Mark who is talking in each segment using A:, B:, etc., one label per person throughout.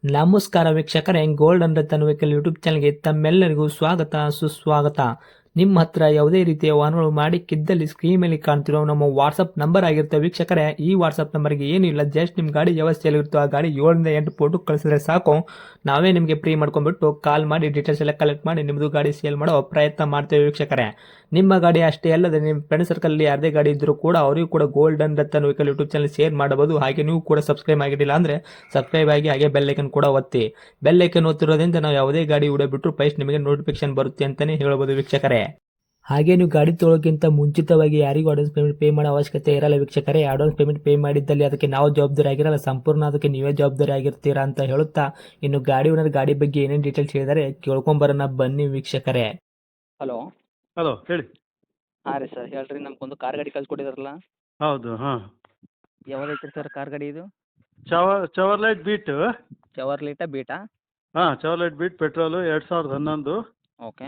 A: ನಮಸ್ಕಾರ ವೀಕ್ಷಕರೇ, golden Ratan vehicle YouTube ಚಾನಲ್ಗೆ ತಮ್ಮೆಲ್ಲರಿಗೂ ಸ್ವಾಗತ ಸುಸ್ವಾಗತ. ನಿಮ್ಮ ಹತ್ರ ಯಾವುದೇ ರೀತಿಯ ವಾಹನಗಳು ಮಾಡಿಕ್ಕಿದ್ದಲ್ಲಿ ಸ್ಕ್ರೀನ್ ಮೇಲೆ ಕಾಣ್ತಿರೋ ನಮ್ಮ ವಾಟ್ಸಪ್ ನಂಬರ್ ಆಗಿರುತ್ತೆ ವೀಕ್ಷಕರೇ. ಈ ವಾಟ್ಸಪ್ ನಂಬರ್ಗೆ ಏನಿಲ್ಲ, ಜಸ್ಟ್ ನಿಮ್ಮ ಗಾಡಿ ವ್ಯವಸ್ಥೆಯಲ್ಲಿರುತ್ತೋ ಆ ಗಾಡಿ 7 ರಿಂದ 8 ಫೋಟೋ ಕಳಿಸಿದ್ರೆ ಸಾಕು, ನಾವೇ ನಿಮಗೆ ಫ್ರೀ ಮಾಡ್ಕೊಂಡ್ಬಿಟ್ಟು ಕಾಲ್ ಮಾಡಿ ಡೀಟೇಲ್ಸ್ ಎಲ್ಲ ಕಲೆಕ್ಟ್ ಮಾಡಿ ನಿಮ್ಮದು ಗಾಡಿ ಸೇಲ್ ಮಾಡೋ ಪ್ರಯತ್ನ ಮಾಡ್ತೇವೆ ವೀಕ್ಷಕರೇ. ನಿಮ್ಮ ಗಾಡಿ ಅಷ್ಟೇ ಅಲ್ಲದೆ ನಿಮ್ಮ ಫ್ರೆಂಡ್ ಸರ್ಕಲ್ ಯಾರದೇ ಗಾಡಿ ಇದ್ದರೂ ಕೂಡ ಅವರಿಗೂ ಕೂಡ golden Ratan vehicle YouTube channel share ಮಾಡಬಹುದು. ಹಾಗೆ ನೀವು ಕೂಡ ಸಬ್ಸ್ಕ್ರೈಬ್ ಆಗಿರಲಿಲ್ಲ ಅಂದರೆ ಸಬ್ಸ್ಕ್ರೈಬ್ ಆಗಿ ಹಾಗೆ ಬೆಲ್ ಐಕನ್ ಕೂಡ ಒತ್ತಿ. ಬೆಲ್ ಐಕನ್ ಒತ್ತಿರೋದ್ರಿಂದ ನಾವು ಯಾವುದೇ ಗಾಡಿ ವಿಡಿಯೋ ಬಿಟ್ಟರು ಫಸ್ಟ್ ನಿಮಗೆ ನೋಟಿಫಿಕೇಶನ್ ಬರುತ್ತೆ ಅಂತಲೇ ಹೇಳ್ಬೋದು ವೀಕ್ಷಕರೇ. ಹಾಗೆ ನೀವು ಗಾಡಿ ತೊಳೋಕ್ಕಿಂತ ಮುಂಚಿತವಾಗಿ ಯಾರಿಗೂ ಅಡ್ವಾನ್ಸ್ ಪೇಮೆಂಟ್ ಪೇ ಮಾಡೋ ಅವಶ್ಯಕತೆ ಇರಲ್ಲ ವೀಕ್ಷಕರೇ. ಅಡ್ವಾನ್ಸ್ ಪೇಮೆಂಟ್ ಪೇ ಮಾಡಿದ್ದಲ್ಲಿ ಅದಕ್ಕೆ ನಾವು ಜವಾಬ್ದಾರಿ ಆಗಿರಲ್ಲ, ಸಂಪೂರ್ಣ ಅದಕ್ಕೆ ನೀವೇ ಜವಾಬ್ದಾರಿ ಆಗಿರ್ತೀರಾ ಅಂತ ಹೇಳುತ್ತಾ, ಇನ್ನು ಗಾಡಿ ಓನರ್ ಗಾಡಿ ಬಗ್ಗೆ ಏನೇನು ಡೀಟೇಲ್ಸ್ ಹೇಳಿದರೆ ಕೇಳ್ಕೊಂಬರೋಣ ಬನ್ನಿ ವೀಕ್ಷಕರೇ.
B: ಹಲೋ.
C: ಹಲೋ ಹೇಳಿ.
B: ಹಾಂ ರೀ ಸರ್, ಹೇಳ್ರಿ. ನಮ್ಗೊಂದು ಕಾರ್ ಗಾಡಿ ಕಳ್ಸಿಕೊಟ್ಟಿದ್ರಲ್ಲ,
C: ಹೌದು, ಹಾಂ.
B: ಯಾವ್ದೈತ್ರಿ ಸರ್ ಕಾರ್ ಗಾಡಿ ಇದು?
C: Chevrolet Beat.
B: ಚವರ್ಲೇಟ ಬೀಟಾ?
C: ಹಾಂ, Chevrolet Beat petrol 2011.
B: Okay.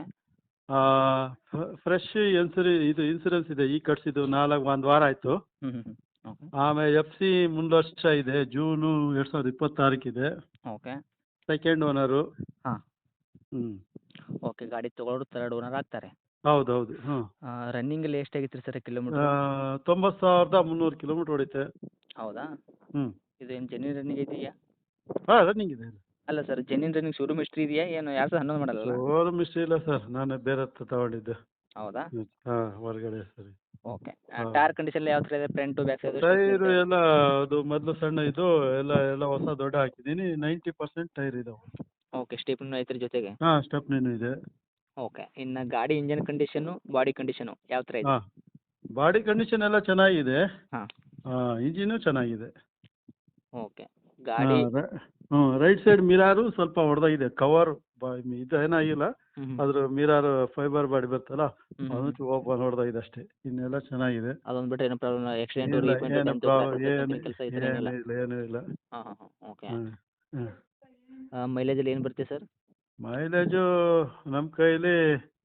C: Fresh insurance ಇದೆ, ಈಗ ಕಟ್ಸಿದ್ದು 1 ವಾರ ಆಯಿತು.
B: ಓಕೆ.
C: ಆಮೇಲೆ FC ಮುಂದೆ ವರ್ಷ ಇದೆ, ಜೂನು 2026 ಇದೆ.
B: ಓಕೆ.
C: Second owner.
B: ಹಾಂ.
C: ಹ್ಞೂ.
B: ಓಕೆ, ಗಾಡಿ ತೊಗೊಳೋರು ಥರ್ಡ್ ಓನರ್ ಆಗ್ತಾರೆ.
C: ಹೌದು, ಹಾಂ.
B: ರನ್ನಿಂಗಲ್ಲಿ ಎಷ್ಟಾಗಿತ್ತು ರೀ ಸರ್ ಕಿಲೋಮೀಟ್ರ್?
C: 90,300 ಕಿಲೋಮೀಟ್ರ್ ಹೊಡಿತೆ.
B: ಹೌದಾ?
C: ಹ್ಞೂ.
B: ಇದು ಏನು ಜೆನ್ಯೂನ್ ರನ್ನಿಂಗ್ ಇದೆಯಾ?
C: ಹಾಂ, ರನ್ನಿಂಗ್ ಇದೆ.
B: ಅಲ್ಲ sir, genuine running showroom history ಇದೆಯಾ ಏನು? 2011 ಮಾಡಲ್ಲ?
C: ಶೋರೂಮ್ ಇಷ್ಟ ಇಲ್ಲ ಸರ್, ನಾನು ಬೇರೆ ಹತ್ರ ತಗೊಂಡಿದ್ದೆ.
B: ಹೌದಾ?
C: ಹಾಂ, ಹೊರಗಡೆ ಸರಿ.
B: ಓಕೆ.
C: ಹಾಂ.
B: ಟೈರ್ ಕಂಡೀಷನ್ ಯಾವ ಥರ ಇದೆ? Front back side?
C: ಟೈರು ಎಲ್ಲ ಅದು ಮೊದಲು ಸಣ್ಣ ಇದು ಎಲ್ಲ ಹೊಸ ದೊಡ್ಡ ಹಾಕಿದ್ದೀನಿ. 90% ಟೈರ್ ಇದಾವೆ.
B: ಓಕೆ. ಸ್ಟೇಪ್ನೂ ಐತ್ರಿ ಜೊತೆಗೆ?
C: ಹಾಂ, ಸ್ಟೆಪ್ನಿನೂ ಇದೆ.
B: ಓಕೆ. ಇನ್ನು ಗಾಡಿ ಇಂಜನ್ ಕಂಡೀಷನು, ಬಾಡಿ ಕಂಡೀಷನು ಯಾವ ಥರ ಇದೆ?
C: ಹಾಂ, ಬಾಡಿ ಕಂಡೀಷನ್ ಎಲ್ಲ ಚೆನ್ನಾಗಿದೆ.
B: ಹಾಂ.
C: ಇಂಜಿನು ಚೆನ್ನಾಗಿದೆ.
B: ಓಕೆ. ಗಾಡಿ
C: ರೈಟ್ ಸೈಡ್ ಮಿರಾರು ಸ್ವಲ್ಪ ಹೊಡೆದಾಗಿದೆ. ಕವರ್ ಇದು ಏನಾಗಿಲ್ಲ, ಅದ್ರ ಮಿರಾರು ಫೈಬರ್ ಬಾಡಿ ಬರ್ತಲ್ಲ, ಅದಕ್ಕೆ ಓಪನ್ ಹೊಡೆದಾಗಿದೆ ಅಷ್ಟೇ. ಇನ್ನೆಲ್ಲ ಚೆನ್ನಾಗಿದೆ.
B: ಅದೊಂದು ಬಿಟ್ಟು ಏನೋ ಪ್ರಾಬ್ಲಮ್? ಆಕ್ಸಿಡೆಂಟ್
C: ಇಲ್ಲ, ಏನು
B: ಕೆಲಸ ಈ ಥರ ಏನಿಲ್ಲ?
C: ಏನೂ ಇಲ್ಲ.
B: ಹಾಂ ಹಾಂ ಹಾಂ. ಓಕೆ.
C: ಹ್ಞೂ.
B: ಮೈಲೇಜಲ್ಲಿ ಏನು ಬರುತ್ತೆ ಸರ್?
C: ಮೈಲೇಜು ನಮ್ಮ ಕೈಲಿ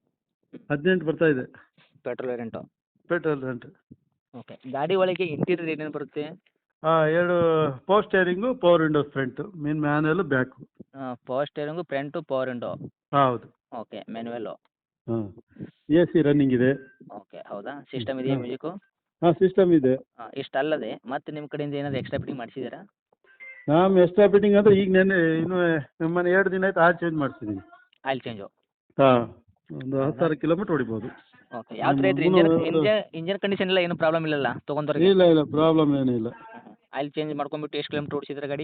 C: 18 ಬರ್ತಾ ಇದೆ.
B: Petrol variant?
C: Petrol rent.
B: Okay. ಗಾಡಿ ಒಳಗೆ ಇಂಟೀರಿಯರ್ ಏನೇನು ಬರುತ್ತೆ?
C: 2 power steering, power window front, manual back.
B: Power steering, front, power window.
C: ಹೌದು.
B: ಓಕೆ. ಮ್ಯಾನುವಲ್ಲು?
C: ಹಾಂ. AC ರನ್ನಿಂಗ್ ಇದೆ.
B: ಓಕೆ. ಹೌದಾ? ಸಿಸ್ಟಮ್ ಇದೆಯಾ ಮ್ಯೂಸಿಕ್ಕು?
C: ಹಾಂ, ಸಿಸ್ಟಮ್ ಇದೆ.
B: ಇಷ್ಟಲ್ಲದೆ ಮತ್ತೆ ನಿಮ್ಮ ಕಡೆಯಿಂದ ಏನಾದರೂ ಎಕ್ಸ್ಟ್ರಾ ಫಿಟ್ಟಿಂಗ್ ಮಾಡಿಸಿದ್ದೀರಾ?
C: ನಾನು ಎಕ್ಸ್ಟ್ರಾ ಫಿಟ್ಟಿಂಗ್ ಅಂದರೆ ಈಗ ನೆನ್ನೆ ಇನ್ನೂ ನಮ್ಮನೆ 2 ದಿನ ಆಯ್ತು, ಚೇಂಜ್ ಮಾಡಿಸಿದ್ದೀನಿ.
B: Oil change?
C: ಹಾಂ, ಒಂದು 10,000 ಕಿಲೋಮೀಟ್ರ್ ಹೊಡಿಬೋದು.
B: ಓಕೆ. ಯಾವ ಥರ ಐತ್ರಿ ಇಂಜನ್ ಕಂಡೀಷನ್ ಎಲ್ಲ ಏನು ಪ್ರಾಬ್ಲಮ್ ಇಲ್ಲಲ್ಲ ತೊಗೊಂಡವ್ರಿಗೆ?
C: ಇಲ್ಲ, ಪ್ರಾಬ್ಲಮ್ ಏನೂ ಇಲ್ಲ.
B: ಆಯಿಲ್ ಚೇಂಜ್ ಮಾಡ್ಕೊಂಡ್ಬಿಟ್ಟು ಎಷ್ಟು ಕಿಲೋಮೀಟ್ರ್ ಓಡಿಸಿದ್ರೆ ಗಾಡಿ?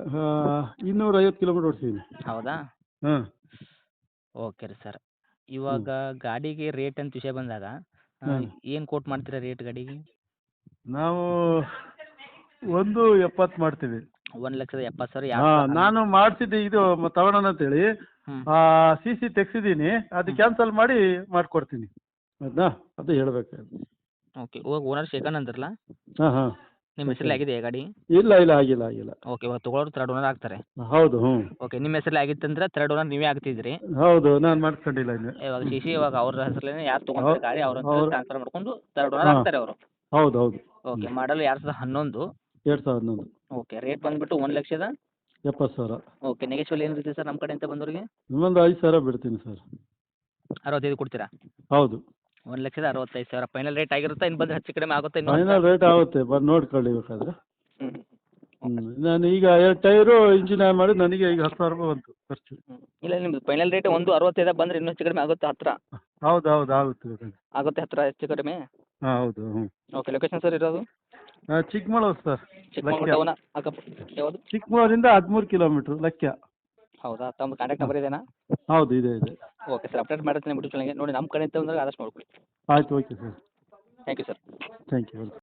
C: 250 ಕಿಲೋಮೀಟ್ರ್ ಓಡಿಸಿದ್ದೀನಿ.
B: ಹೌದಾ?
C: ಹಾಂ.
B: ಓಕೆ ರೀ ಸರ್. ಇವಾಗ ಗಾಡಿಗೆ ರೇಟ್ ಅಂತ ವಿಷಯ ಬಂದಾಗ ಏನು ಕೋಟ್ ಮಾಡ್ತೀರಾ ರೇಟ್ ಗಾಡಿಗೆ?
C: ನಾವು 1.70 ಮಾಡ್ತೀವಿ.
B: 1,70,000
C: ಹಾಂ, ನಾನು ಮಾಡಿಸಿದ್ದೆ ಇದು ತಗೊಳ್ಳೋಣ ಅಂತೇಳಿ.
B: ಹ್ಞೂ.
C: CC ತೆಗ್ಸಿದ್ದೀನಿ, ಅದು ಕ್ಯಾನ್ಸಲ್ ಮಾಡಿ ಮಾಡಿಕೊಡ್ತೀನಿ. ಅದು ಹೇಳ್ಬೇಕಾದ್ರೆ.
B: ಓಕೆ. ಇವಾಗ ಓನರ್ ಸೆಕೆಂಡ್ ಅಂದ್ರಲ್ಲ,
C: ಹಾಂ ಹಾಂ.
B: ನಿಮ್ಮ ಹೆಸರಲ್ಲಿ ಆಗಿದೆಯಾ ಗಾಡಿ?
C: ಇಲ್ಲ, ಆಗಿಲ್ಲ.
B: ಓಕೆ. ಇವಾಗ ತೊಗೊಳೋರು ಥರ್ಡ್ ಓನರ್ ಆಗ್ತಾರೆ?
C: ಹೌದು. ಹ್ಞೂ.
B: ಓಕೆ. ನಿಮ್ಮ ಹೆಸರಲ್ಲಿ ಆಗಿತ್ತಂದ್ರೆ ಥರ್ಡ್ ಓನರ್ ನೀವೇ ಆಗ್ತಿದ್ರಿ?
C: ಹೌದು, ನಾನು ಮಾಡ್ಕೊಂಡಿಲ್ಲ ಇನ್ನು.
B: ಇವಾಗ CC ಇವಾಗ ಅವ್ರ ಹೆಸರಲ್ಲೇ ಯಾರು ತೊಗೊಂತಾರೆ ಗಾಡಿ ಅವ್ರ ಟ್ರಾನ್ಸ್ಫರ್ ಮಾಡ್ಕೊಂಡು ಥರ್ಡ್ ಓನರ್
C: ಹಾಂ.
B: ಆಗ್ತಾರೆ ಅವರು?
C: ಹೌದು.
B: ಓಕೆ. ಮಾಡಲ್ 2011?
C: 2011.
B: ಓಕೆ. ರೇಟ್ ಬಂದುಬಿಟ್ಟು 1,70,000?
C: ಓಕೆ.
B: ನೆಗೆಶ್ವಲ್ ಏನಿರುತ್ತೆ ಸರ್ ನಮ್ಮ ಕಡೆಯಿಂದ ಬಂದವರಿಗೆ?
C: ಇನ್ನೊಂದು 5,000 ಬಿಡ್ತೀನಿ ಸರ್.
B: 65 ಕೊಡ್ತೀರಾ?
C: ಹೌದು.
B: 1,65,000 ಫೈನಲ್ ರೇಟ್ ಆಗಿರುತ್ತಾ? ಇನ್ನು ಬಂದರೆ ಹೆಚ್ಚು ಕಡಿಮೆ ಆಗುತ್ತೆ?
C: ಫೈನಲ್ ರೇಟ್ ಆಗುತ್ತೆ, ಬಂದು ನೋಡ್ಕೊಳ್ಳಿ ಬೇಕಾದ್ರೆ.
B: ಹ್ಞೂ.
C: ನಾನು ಈಗ 2 ಟೈರು ಇಂಜಿನ್ ಆನ್ ಮಾಡಿ ನನಗೆ ಈಗ 10,000 ರೂಪಾಯಿ ಬಂತು ಖರ್ಚು.
B: ಇಲ್ಲ, ನಿಮ್ಮದು ಫೈನಲ್ ರೇಟ್ 1,65 ಬಂದರೆ ಇನ್ನೂ ಹೆಚ್ಚು ಕಡಿಮೆ ಆಗುತ್ತೆ ಹತ್ತಿರ?
C: ಹೌದು, ಆಗುತ್ತೆ ಬೇಕಾದ್ರೆ.
B: ಆಗುತ್ತೆ ಹತ್ತಿರ ಹೆಚ್ಚು ಕಡಿಮೆ?
C: ಹಾಂ, ಹೌದು. ಹ್ಞೂ.
B: ಓಕೆ. ಲೊಕೇಶನ್ ಸರ್ ಇರೋದು?
C: ಚಿಕ್ಕಮಗಳೂರು ಸರ್.
B: ಚಿಕ್ಕಮಗಳೂರು ಟೌನ ಅಕ್ಕಪಕ್ಕ ಯಾವುದು?
C: ಚಿಕ್ಕಮಗಳೂರಿಂದ 13 ಕಿಲೋಮೀಟ್ರ್ ಲಕ್ಯ.
B: ಹೌದಾ? ತಮ್ಮ ಕಾಂಟ್ಯಾಕ್ಟ್ ನಂಬರ್ ಇದೆಯಾ?
C: ಹೌದು, ಇದೆ.
B: ಓಕೆ ಸರ್, ಅಪ್ಡೇಟ್ ಮಾಡ್ತೀನಿ ಬಿಟ್ಟು ಚೆನ್ನಾಗಿ ನೋಡಿ. ನಮ್ಮ ಕಡೆಯಿಂದ ಬಂದಾಗ ಆದಷ್ಟು ನೋಡ್ಕೊಳ್ಳಿ.
C: ಆಯ್ತು, okay sir.
B: Thank you sir.
C: Thank you.